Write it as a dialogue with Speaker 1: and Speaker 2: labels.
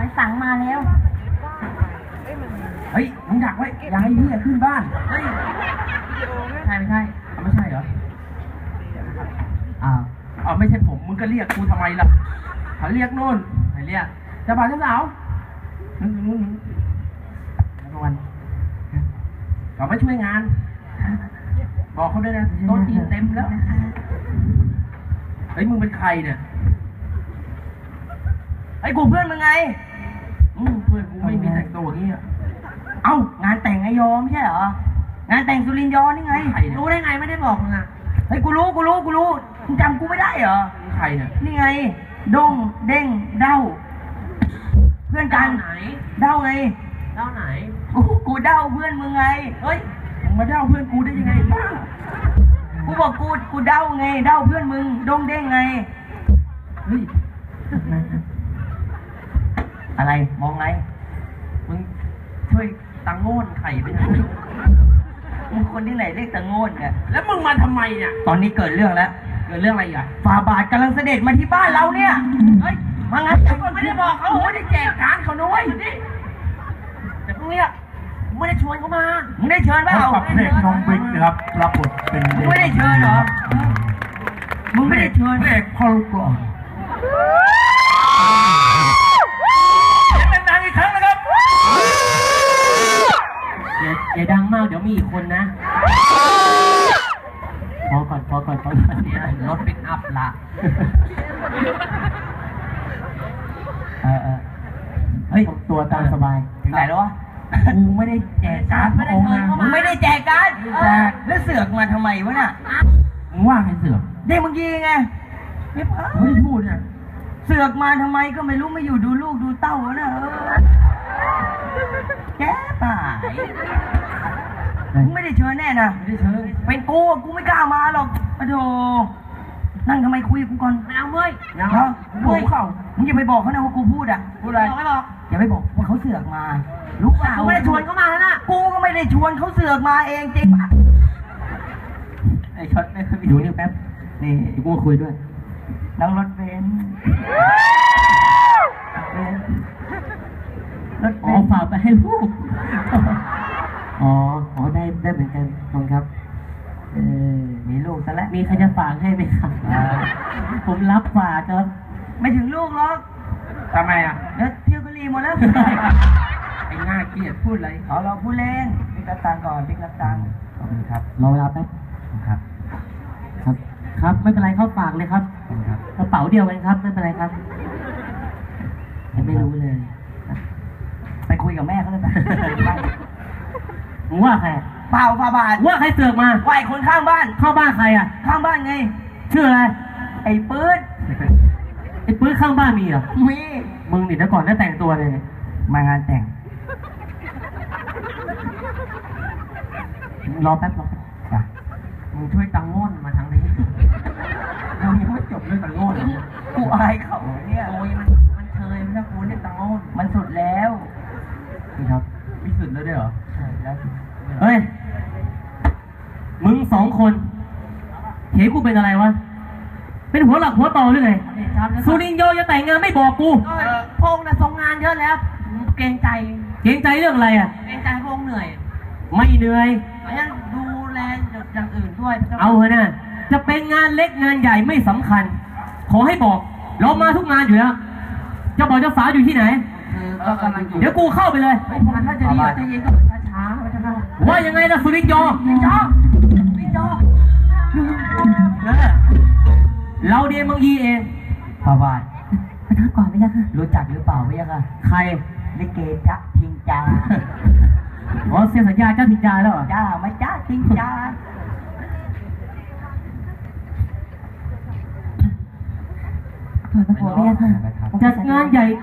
Speaker 1: มันสั่งมาแล้ว
Speaker 2: เฮ้ยมึงดักไว้อย่าให้เฮียขึ้นบ้านเฮ้ยใช่ไม่ใช่ไม่ใช่เหรอไม่ใช่ผมมึงก็เรียกกูทำไมล่ะเขาเรียกนู่นไหนเรียกเจ้าบ่าวเจ้าสาวนู่นแล้ววันเขาไม่ช่วยงานบอกเขาด้วยนะโต๊ะจีนเต็มแล้วเฮ้ยมึงเป็นใครเนี่ย
Speaker 1: ไอ้กูเพื่อนมึงไง
Speaker 2: เพื่อนกูไม่มีแต่งตัวอย่างนี้
Speaker 1: เอ้างานแต่งไอยอมใช่เหรองานแต่งสุรินทร์ยอนี่ไงรู้ได้ไงไม่ได้บอกมึงอ่ะเฮ้ยกูรู้มึงจำกูไม่ได้เหรอ
Speaker 2: ใครเนี่ย
Speaker 1: นี่ไงด้งเด้งเด้าเพื่อนกัน
Speaker 2: ไหน
Speaker 1: เด้าไง
Speaker 2: เด้าไหน
Speaker 1: กูเด้าเพื่อนมึงไง
Speaker 2: เฮ้ยมึงมาเด้าเพื่อนกูได้ยังไงบ้า
Speaker 1: กูบอกกูเด้าไงเด้าเพื่อนมึงด้งเด้งไง
Speaker 2: เฮ้ย
Speaker 1: อะไรมองไง
Speaker 2: มึงช่วยตังโง่นไข่ไปนะ
Speaker 1: มึงคนที่ไหนเรียกตังโง่นเนี่ย
Speaker 2: แล้วมึงมาทำไมเนี่ย
Speaker 1: ตอนนี้เกิดเรื่องแล้ว
Speaker 2: เกิดเรื่องอะไรอ่ะ
Speaker 1: ฝ่าบาทกำลังเสด็จมาที่บ้านเราเนี่ย
Speaker 2: เฮ้ย
Speaker 1: มางั้น
Speaker 2: ไม่ได้บอกเขาไม่ได้แจกการเขาด้วยแต่พวกเนี้ยไม่ได้ชวนเขามา
Speaker 1: มึงได้เชิญเปล่า
Speaker 3: กับเพลงน้องบิ๊กนะครับรับบทเป็น
Speaker 1: มึงไม่ได้เชิญเหรอมึงไม่ได้เชิญ
Speaker 3: เพลงพ่อลูกกลอน
Speaker 2: เป็นนางอีกครั้งนะครับอย่าดังมากเดี๋ยวมีอีกคนนะพอก่อนเนี่ยรถปิกอัพละ
Speaker 1: เฮ้ย
Speaker 2: ตัวตามสบาย
Speaker 1: ถึงไหนแล้ววะ
Speaker 2: กูไม่ได้แจกการ์ดพระองค์นะ
Speaker 1: มึงไม่ได้แจกการ์ด
Speaker 2: แจก
Speaker 1: แล้วเสือกมาทำไมวะน่ะ
Speaker 2: มึงว่าใครเสือก
Speaker 1: เด็กเมื่อกี้ไง
Speaker 2: ไม่ได้พูดเนี่ย
Speaker 1: เสือกมาทำไมก็ไม่รู้ไม่อยู่ดูลูกดูเต้านะแกป่ามึงไม่ได้เชิญแน่นะ
Speaker 2: ไม่ได้เชิญ
Speaker 1: เป็นกูไม่กล้ามาหรอกปะโถนั่งทำไมคุยกับกูก่อน
Speaker 2: ไม่เอาเว้ย
Speaker 1: ยังเหรอเฮ้ยมึงอย่าไปบอกเขานะว่ากูพูดอ่ะ
Speaker 2: พูดอะไร
Speaker 1: ไม่บอกอย่าไปบอกว่าเขาเสือกมารู้เปล่า
Speaker 2: กูไม่ได้ชวนเขามาแล้วนะ
Speaker 1: กูก็ไม่ได้ชวนเขาเสือกมาเองจริงป่ะไอ้ช็อตไม่เคย
Speaker 2: อยู่นี่แป๊บนี่กูมาคุยด้วย
Speaker 1: นั่งรถเบนซ์รถ
Speaker 2: ฝากไปให้ลูกได้เหมือนกันขอบคุณครับ
Speaker 1: มีลูกซะแล้ว
Speaker 2: มีใครจะฝากให้ไหมครับผมรับฝากครับ
Speaker 1: ไม่ถึงลูกหรอก
Speaker 2: ทำไมอ่ะ
Speaker 1: แล้วเที่ยวกะลีหมดแล้ว
Speaker 2: ไอ้หน้าเกลียดพูดอะไร
Speaker 1: เราพูดเล่นพิกตังก่อนพิกตัง
Speaker 2: ขอบคุณครับรอเวลาแป๊บครับไม่เป็นไรเขาฝากเลยครับกระเป๋าเดียวกันครับไม่เป็นไรครับไม่รู้เลย
Speaker 1: ไปคุยกับแม่เขาเลยไป
Speaker 2: มึงว่าใคร
Speaker 1: เปล่าฝ่าบาท
Speaker 2: ว่าใครเสือกมา
Speaker 1: ไหวคนข้างบ้าน
Speaker 2: ข้างบ้านใครอ่ะ
Speaker 1: ข้างบ้านไง
Speaker 2: ชื่ออะไร
Speaker 1: ไอ้ปื๊ด
Speaker 2: ข้างบ้านมีเหรอ
Speaker 1: มี
Speaker 2: มึงนี่แต่ก่อนน่าแต่งตัวเลย
Speaker 1: มางานแต่ง
Speaker 2: รอแป๊บจ้ะมึงช่วยตังโง่นมาทางนี้เรายังไม่จบเรื่องตังโง่น
Speaker 1: กูอายเขาเนี่ย
Speaker 2: โอ้ยมันเชยไม่ใช่กูเรียกตังโง่น
Speaker 1: มันสุดแล้ว
Speaker 2: นี่ครับมีสุดแล้วด้วยเหรอ
Speaker 1: ใช่แล้ว
Speaker 2: เฮ้ยมึงสองคนเห็นกูเป็นอะไรวะเป็นหัวหลักหัวต่อหรือไงสุรินทร์โยจะแต่งงานไม่บอกกู
Speaker 1: พงษ์น่ะส่งงานเยอะแล้วเกรงใจ
Speaker 2: เรื่องอะไรอ่ะ
Speaker 1: เกรงใจพงษ์เหนื่อย
Speaker 2: ไม่เหนื่อย
Speaker 1: งั้นดูแลอย่างอื่นด้วย
Speaker 2: เอาเถอะนะจะเป็นงานเล็กงานใหญ่ไม่สำคัญขอให้บอกเรามาทุกงานอยู่แล้วจะบอกเจ้าสาวอยู่ที่ไหนเดี๋ยวกูเข้าไปเลย
Speaker 1: ถ้าจะดีจะเย็นก็ช้า
Speaker 2: ว่ายังไงล่ะสุรินทร์โยเราเดียนมังยีเอง
Speaker 1: ฝ่าบาท
Speaker 2: มาทักก่อนไหมจ๊ะ
Speaker 1: รู้จักหรือเปล่าไม่ยัง
Speaker 2: ใคร
Speaker 1: ลิเกจ๊ะทิงจา
Speaker 2: เซ็นสัญญาเจ้าทิงจาแล้วเหรอ
Speaker 1: จ้าไม่จ๊ะทิงจา
Speaker 2: จัดงานใหญ่